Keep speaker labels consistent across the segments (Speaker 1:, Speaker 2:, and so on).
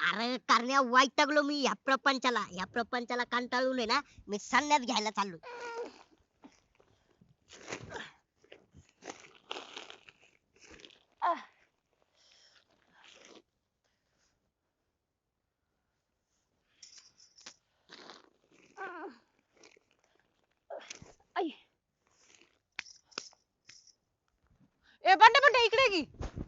Speaker 1: अरे करण्या वैतागलो मी या प्रपंचाला कंटाळून आहे ना मी संन्यास घ्यायला चाललो.
Speaker 2: आई. ए बंडे बंडे इकडे ये की.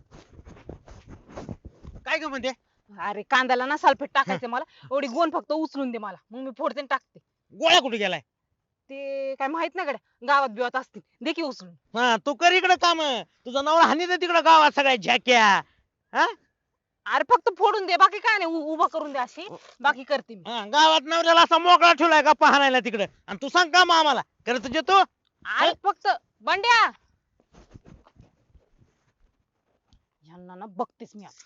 Speaker 3: काय ग म्हणते?
Speaker 2: अरे कांद्याला ना सल्फेट टाकायचं मला. एवढी गोण फक्त उचलून दे मला, मग मी फोडते आणि टाकते.
Speaker 3: गोळ्या कुठे गेलाय?
Speaker 2: ते काय माहित नाही गड्या, गावात बिवात असतील, दे की उचलून.
Speaker 3: हा तू कर इकडे काम. तुझा नवरा हानी तिकडे गावात सगळ्या झॅक्या. हा
Speaker 2: अरे फक्त फोडून दे, बाकी काय नाही, उभा करून दे अशी, बाकी करते मी.
Speaker 3: हा, गावात नवऱ्याला असा मोकळा ठेवलाय का पाहण्याला तिकडे, आणि तू सांग काम आम्हाला करत जे तू.
Speaker 2: अरे फक्त बंड्या, यांना ना बघतेस मी आता.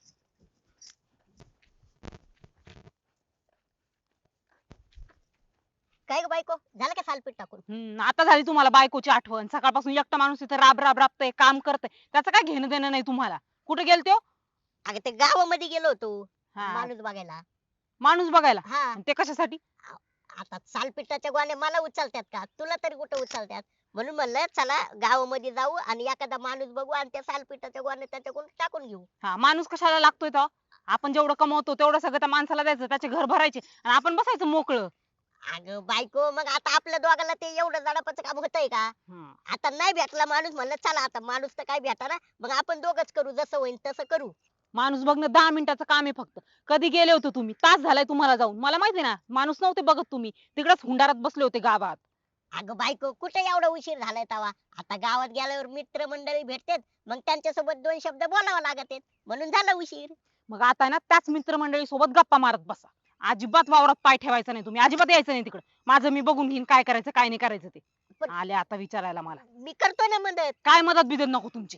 Speaker 1: काय ग बायको झालं का सालपीठ टाकून?
Speaker 2: आता झाली तुम्हाला बायकोची आठवण. सकाळपासून एकटा माणूस इथे राब राब राबतय, काम करतय, त्याचं काय घेणं देणं नाही तुम्हाला. कुठे गेलते हो?
Speaker 1: अगं ते गावामध्ये गेलो होतो
Speaker 2: हा,
Speaker 1: माणूस बघायला.
Speaker 2: माणूस बघायला.
Speaker 1: हा
Speaker 2: आणि ते कशासाठी?
Speaker 1: आता सालपिठाच्या गोण्या मला उचलतात का, तुला तरी कुठं उचलतात? म्हणून म्हणलं चला गावामध्ये जाऊ आणि एखादा माणूस बघू आणि त्या सालपिठाच्या गोण्या त्याच्याकडून टाकून घेऊ.
Speaker 2: हा, माणूस कशाला लागतोय तो? आपण जेवढं कमवतो तेवढं सगळं त्या माणसाला द्यायचं, त्याचे घर भरायचे आणि आपण बसायचं मोकळं.
Speaker 1: अगं बायको मग आता आपल्या दोघांना ते एवढं जडापाचं काम होतंय का? आता नाही भेटला माणूस, म्हणलं चला आता माणूस तर काय भेटा, मग आपण दोघच करू, जसं होईल तसं करू.
Speaker 2: माणूस बघणं 10 मिनिटाचं काम आहे फक्त. कधी गेले होते तुम्ही? तास झालाय तुम्हाला जाऊन. मला माहिती ना, माणूस नव्हते बघत तुम्ही, तिकडेच हुंडारात बसले होते गावात.
Speaker 1: अगं बायको कुठे एवढा उशीर झालाय तवा? आता गावात गेल्यावर मित्र मंडळी भेटतात, मग त्यांच्यासोबत 2 शब्द बोलावं लागत म्हणून झाला उशीर.
Speaker 2: मग आता ना त्याच मित्रमंडळी सोबत गप्पा मारत बसा. अजिबात वावरात पाय ठेवायचा नाही तुम्ही, अजिबात यायचं नाही तिकडे. माझं मी बघून घेईन काय करायचं काय नाही करायचं ते.
Speaker 1: पण-
Speaker 2: आले आता विचारायला मला.
Speaker 1: मी करतो ना मदत.
Speaker 2: काय मदत बिदत नको तुमची.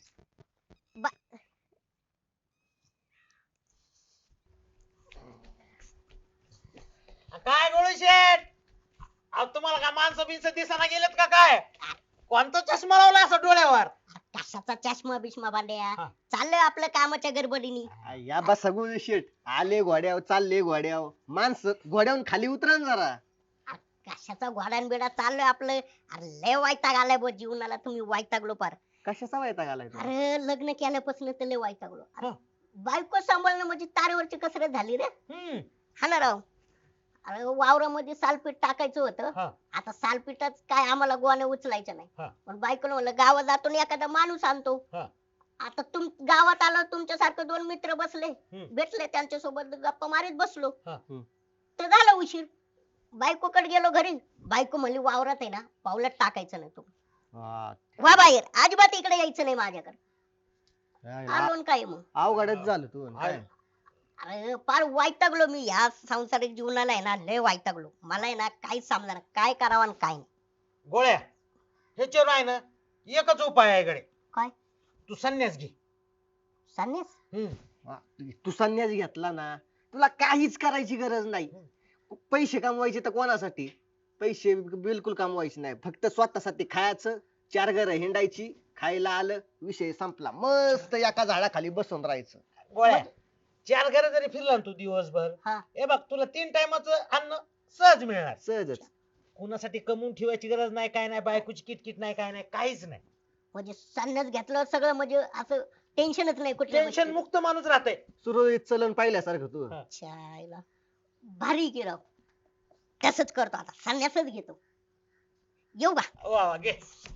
Speaker 3: काय गोळी शेठ, अहो तुम्हाला काय माणसं बिनसं दिसाना गेलेत का काय? कोणता चष्मा लावला असं डोळ्यावर?
Speaker 1: कशाचा चष्मा बिष्मा बांड्या,
Speaker 3: हा.
Speaker 1: चाललंय आपलं कामाच्या गडबडीने.
Speaker 4: या बसा गुळू शेट, आले घोड्यावर चालले घोड्यावर, माणसं घोड्यावरून खाली उतरा ना जरा.
Speaker 1: कशाचा घोडान बिडा चाललंय आपलं. अरे लय वैताग आलाय बो जीवनाला, तुम्ही वैतागलो पार.
Speaker 4: कशाचा वैताग आलाय तुला?
Speaker 1: अरे लग्न केल्यापासून तर लय वैतागलो. अरे,
Speaker 3: हा.
Speaker 1: बायको सांभाळणं म्हणजे तारेवरची कसरत झाली रे.
Speaker 3: हम्म.
Speaker 1: हा ना राव. अरे वावरामध्ये सालपीठ टाकायचं होतं,
Speaker 3: हा.
Speaker 1: आता सालपीठच काय आम्हाला गोण्या उचलायच्या नाही.
Speaker 3: हा.
Speaker 1: पण बायकोनं म्हणलं गावात जातो आणि एखादा माणूस आणतो.
Speaker 3: हा.
Speaker 1: आता गावात आलं, तुमच्यासारखं 2 मित्र बसले,
Speaker 3: हम्म.
Speaker 1: भेटले, त्यांच्यासोबत गप्पा मारीत बसलो.
Speaker 3: हा.
Speaker 1: तर झाला उशीर. बायकोकडे गेलो घरी, बायको म्हणली वावरात आहे ना पावलात टाकायचं नाही, तू
Speaker 4: हा,
Speaker 1: वा बाहेर, अजिबात इकडे यायचं नाही माझ्याकडे.
Speaker 4: काय
Speaker 1: आलो न काय मग.
Speaker 4: अवघडच झालं तू काय.
Speaker 1: अरे फार वैतागलो मी ह्या सांसारिक जीवनाला आहे ना, लय वैतागलो. मला आहे ना काहीच समजा काय करावं आणि काय नाही.
Speaker 3: गोळ्या, ह्याच्यावर आहे ना एकच उपाय आहे इकडे.
Speaker 1: काय?
Speaker 3: तू संन्यास घे.
Speaker 1: संन्यास?
Speaker 4: हा, तू संन्यास घेतला ना, तुला काहीच करायची गरज नाही. पैसे कमवायचे तर कोणासाठी? पैसे बिलकुल कमवायचे नाही, फक्त स्वतःसाठी खायचं, 4 घरं हिंडायची, खायला आलं विषय संपला, मस्त एका झाडाखाली बसून राहायचं.
Speaker 3: गोळ्या, 4 घरं जरी फिरला ना तू दिवसभर,
Speaker 1: हा.
Speaker 3: हे बघ तुला 3 टायमाचं अन्न सहज मिळणार.
Speaker 4: सहजच.
Speaker 3: कुणासाठी कमवून ठेवायची गरज नाही, काय नाही, बायकोची किटकिट नाही, काय नाही, काहीच नाही.
Speaker 1: म्हणजे संन्यास घेतलं सगळं म्हणजे असं टेन्शनच नाही कुठल्या
Speaker 3: टेन्शन
Speaker 1: गोष्टीचं.
Speaker 3: मुक्त माणूस राहतंय.
Speaker 4: सुरळीत चलन पाहिल्यासारखं तू.
Speaker 3: हा.
Speaker 1: छायला भारी केलं. तसंच करतो आता, संन्यासच घेतो. येऊ का?
Speaker 3: वा वा, घे.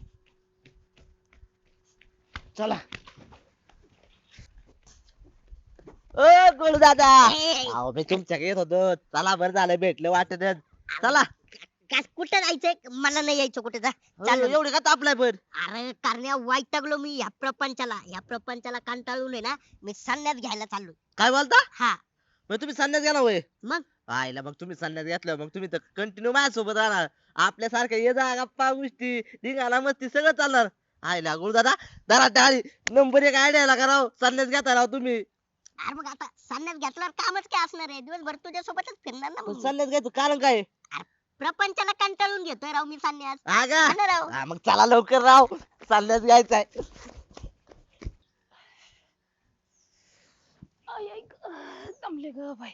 Speaker 4: चला.
Speaker 5: ओ गोळू दादा,
Speaker 1: ए,
Speaker 5: अहो मी तुमच्याकडे येत होतो. चला बरं झालं भेटलं वाटत. चला.
Speaker 1: कुठं जायचंय? मला नाही यायचं कुठे, जा चाललो.
Speaker 5: एवढे का तापलाय बर?
Speaker 1: अरे करण्या वैतागलो मी या प्रपंचाला कंटाळून आहे ना मी संन्यास घ्यायला चाललो.
Speaker 5: काय बोलता?
Speaker 1: हा
Speaker 5: मग तुम्ही संन्यास घ्या ना होय?
Speaker 1: मग
Speaker 5: आईला मग तुम्ही संन्यास घेतलं मग तुम्ही तर कंटिन्यू माझ्यासोबत राहणार. आपल्यासारखं ये जा गप्पा गोष्टी धिंगाणा मस्ती सगळं चालणार. आईला गुरु दादा, दरा टाळी नंबर 1 आयडियाला कराव, संन्यास घेता राव तुम्ही.
Speaker 1: अरे मग आता संन्यास घेतल्यावर कामच काय असणार आहे, दिवसभर तुझ्या सोबतच फिरणार ना
Speaker 5: पण
Speaker 1: मग मी.
Speaker 5: संन्यास घ्यायचं कारण काय?
Speaker 1: प्रपंचाला कंटाळून घेतोय राव मी संन्यास.
Speaker 5: हा का?
Speaker 1: हा ना राव.
Speaker 5: हा, मग चला लवकर राव, संन्यास घ्यायचाय.
Speaker 2: आई, आई ग. दमले ग बाई.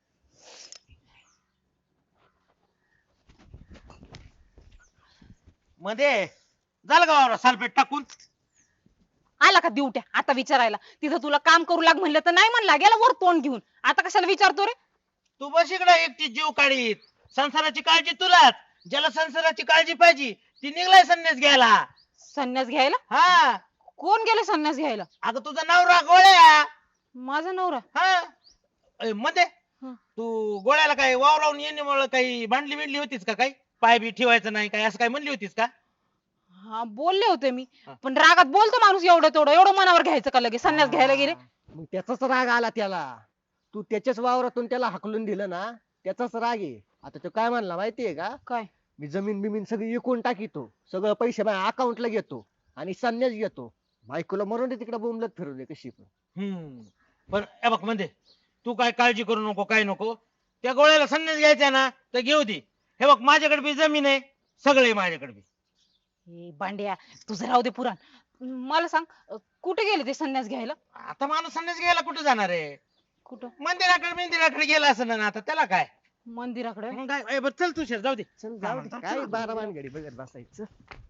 Speaker 3: मध्ये झालं का वावरात सालपेट टाकून?
Speaker 2: आला का दिवट्या आता विचारायला? तिथं तुला काम करू लाग म्हणलं तर नाही म्हणला, गेला वर तोंड घेऊन. आता कशाला विचारतो रे?
Speaker 3: तू बस इकडे एकटी जीव काढीत. संसाराची काळजी तुलाच. ज्याला संसाराची काळजी पाहिजे ती निघलाय संन्यास घ्यायला.
Speaker 2: संन्यास घ्यायला?
Speaker 3: हा
Speaker 2: कोण गेले संन्यास घ्यायला?
Speaker 3: अगं तुझा नवरा गोळ्या.
Speaker 2: माझा नवरा?
Speaker 3: हा मध्ये
Speaker 2: हं.
Speaker 3: तू गोळ्याला काय वावरावून येण्यामुळे काही भांडली बिंडली होतीस का? काही पाय बी ठेवायचं नाही काय असं काय म्हणली होतीस का?
Speaker 2: हा बोलले होते मी,
Speaker 3: हा.
Speaker 2: पण रागात बोलतो माणूस एवढं तेवढं. एवढं मनावर घ्यायचं का लगेच? संन्यास घ्यायला गेले?
Speaker 4: मग त्याचाच राग आला त्याला. तू त्याच्याच वावरातून त्याला हाकलून दिलं ना, त्याचाच राग आहे. आता तो काय म्हणला माहितीये का?
Speaker 2: काय?
Speaker 4: मी जमीन बिमीन सगळी विकून टाकीतो, सगळं पैसे माझ्या अकाउंटला घेतो आणि संन्यास घेतो. बायकोला मरून दे तिकडे, बोंबलत फिरू दे कशी पण.
Speaker 3: पण हे बघ मध्ये तू काय काळजी करू नको, काय नको. त्या गोळ्याला संन्यास घ्यायचा ना तर घेऊ दे. हे बघ माझ्याकडे बी जमीन आहे, सगळे माझ्याकडे बी.
Speaker 2: हे भांड्या तुझं राहू दे पुराण. मला सांग, कुठे गेले ते संन्यास घ्यायला?
Speaker 3: आता माणूस संन्यास घ्यायला कुठे जाणार आहे?
Speaker 2: कुठं?
Speaker 3: मंदिराकडे गेला असं ना, आता त्याला काय.
Speaker 2: मंदिराकडे?
Speaker 3: मग काय बरं चल तुषार जाऊ दे.
Speaker 4: चल जाऊ दे, काय बारा भानगडी बघत बसायचं.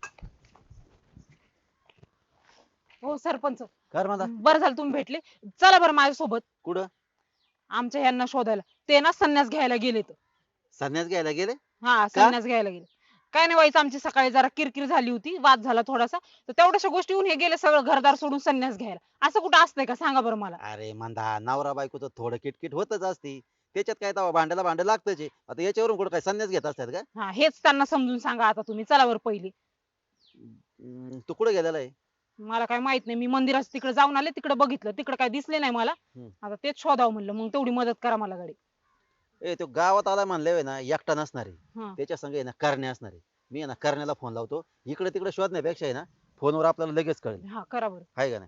Speaker 2: हो सरपंच,
Speaker 6: कर म्हणता.
Speaker 2: बरं झालं तुम्ही भेटले. चला बरं माझ्यासोबत
Speaker 6: कुठं?
Speaker 2: आमच्या यांना शोधायला. ते ना संन्यास घ्यायला गेलेत.
Speaker 6: संन्यास घ्यायला गेले?
Speaker 2: हा संन्यास घ्यायला गेले. काय नाही व्हायचं, आमची सकाळी जरा किरकिर झाली होती, वाद झाला थोडासा, तर तेवढ्याशा गोष्टीहून हे गेले सगळं घरदार सोडून संन्यास घ्यायला. असं कुठं असतंय का? सांगा बरं मला.
Speaker 6: अरे मंदा, नवरा बायकोचं थोडं किटकिट होतच असती. त्याच्यात काय तवा भांड्याला भांड लागतच आहे. आता याच्यावरून कुठं काय संन्यास घेत असतात का?
Speaker 2: हा हेच त्यांना समजून सांगा आता तुम्ही. चला बरं पहिली.
Speaker 6: तू कुठे गेलेला आहे?
Speaker 2: मला काय माहित नाही, मी मंदिरात तिकडे जाऊन आले, तिकडे बघितलं, तिकडे काय दिसले नाही मला. आता तेच शोधावं म्हणलं, मग तेवढी मदत करा मला गाडी.
Speaker 6: ए तो गावात आला म्हणले ना, एकटा नसणार आहे.
Speaker 2: हा
Speaker 6: त्याच्या संग आहे ना करणे असणार आहे. मी आहे ना करण्याला फोन लावतो. इकडे तिकडे शोधण्यापेक्षा आहे ना फोनवर आपल्याला लगेच कळेल.
Speaker 2: हा करा बरं.
Speaker 6: आहे का नाही?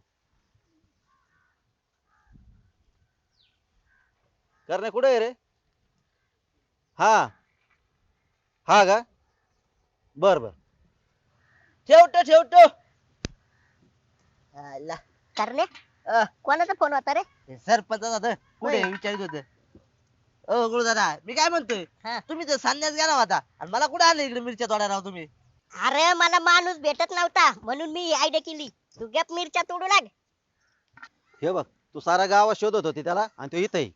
Speaker 6: करणे कुठे आहे रे? हा हा का? बर बर.
Speaker 5: ठेवतो. आला.
Speaker 1: करणे
Speaker 5: अ,
Speaker 1: कोणाचा फोन होता रे?
Speaker 5: हे सरपंचाचं होतं. पुढे
Speaker 1: होय.
Speaker 5: विचारित होत. ओ गुरुदादा, मी काय म्हणतोय,
Speaker 1: हा.
Speaker 5: तुम्ही तर संन्यास गेला होता आणि मला कुठे आणलं इकडे मिरच्या तोडायला राव तुम्ही?
Speaker 1: अरे मला माणूस भेटत नव्हता म्हणून मी आयडिया केली. तू गप मिरच्या तोडू लाग.
Speaker 6: हे बघ, तू सारा गावात शोधत होती त्याला आणि तो इथं आहे.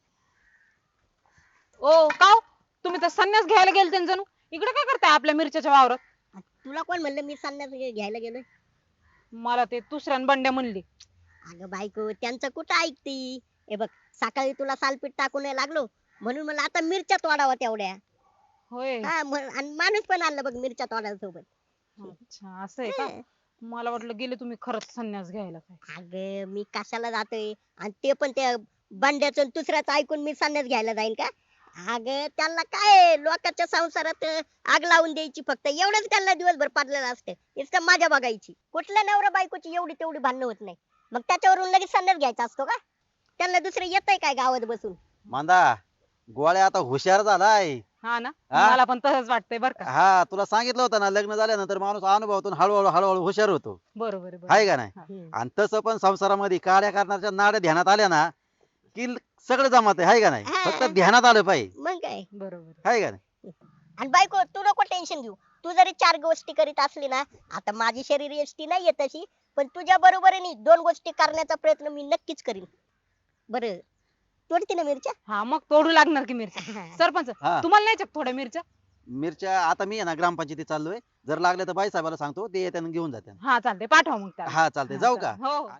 Speaker 2: ओ काव, तुम्ही तर संन्यास घ्यायला गेलते जणू. इकडे काय करताय आपल्या मिरच्याच्या वावरात?
Speaker 1: तुला कोण म्हणलं मी संन्यास घ्यायला गेलोय?
Speaker 2: मला ते दुसऱ्यान बंड्या म्हणली.
Speaker 1: अगं बायको त्यांचं कुठं ऐकती? हे बघ, सकाळी तुला सालपीठ टाकून लागलो म्हणून मला आता मिरच्या तोडावा तेवढ्या.
Speaker 2: होय.
Speaker 1: हा आणि माणूस पण आणलं बघ मिरच्या तोडायला सोबत.
Speaker 2: अच्छा असं आहे का? मला वाटलं गेले तुम्ही खरंच संन्यास घ्यायला काय.
Speaker 1: अगं मी कशाला जातोय आणि ते पण त्या बंड्याचं आणि दुसऱ्याचं ऐकून मी संन्यास घ्यायला जाईन का? अगं त्यांना काय लोकांच्या संसारात आग लावून द्यायची, फक्त एवढंच त्यांना दिवसभर पडलेलं असतं. नुसतं माझ्या बघायची. कुठल्या नवरा बायकोची एवढी तेवढी भांडणं होत नाही, मग त्याच्यावरून लगेच संन्यास घ्यायचा असतो का? त्यांना दुसरं येतंय काय गावात बसून?
Speaker 6: मांदा, गोळ्या आता हुशार झालाय.
Speaker 2: हा ना,
Speaker 6: हा?
Speaker 2: मला पण तसंच वाटतंय बर का.
Speaker 6: हा तुला सांगितलं होतं ना, लग्न झाल्यानंतर माणूस अनुभवातून हळूहळू हुशार होतो.
Speaker 2: बरोबर आहे,
Speaker 6: आहे
Speaker 2: बरोबर.
Speaker 6: का नाही?
Speaker 1: हम्म.
Speaker 6: आणि तसं पण संसारामध्ये काड्या करण्याच्या नाड्या ध्यानात आल्या ना की सगळं जमत आहे का नाही?
Speaker 1: हा.
Speaker 6: फक्त ध्यानात आलं पाहिजे.
Speaker 1: मग काय.
Speaker 2: बरोबर.
Speaker 6: आहे का नाही?
Speaker 1: आणि बायको तू नको टेन्शन घेऊ. तू जरी 4 गोष्टी करीत असली ना, आता माझी शरीर यष्टी नाहीये तशी, पण तुझ्या बरोबरीने 2 गोष्टी करण्याचा प्रयत्न मी नक्कीच करीन. बरं तोडते ना मिरच्या?
Speaker 2: हा मग तोडू लागणार की मिरच्या. सरपंच
Speaker 6: हा.
Speaker 2: तुम्हाला नाही थोड्या मिरच्या?
Speaker 6: मिरच्या आता मी आहे ना ग्रामपंचायतीत चाललोय. जर लागले तर बाई साहेबाला सांगतो, ते येत्यानं घेऊन जाते.
Speaker 2: हा चालते, पाठवा मग त्याला.
Speaker 6: हा चालते, जाऊ का?
Speaker 2: हो.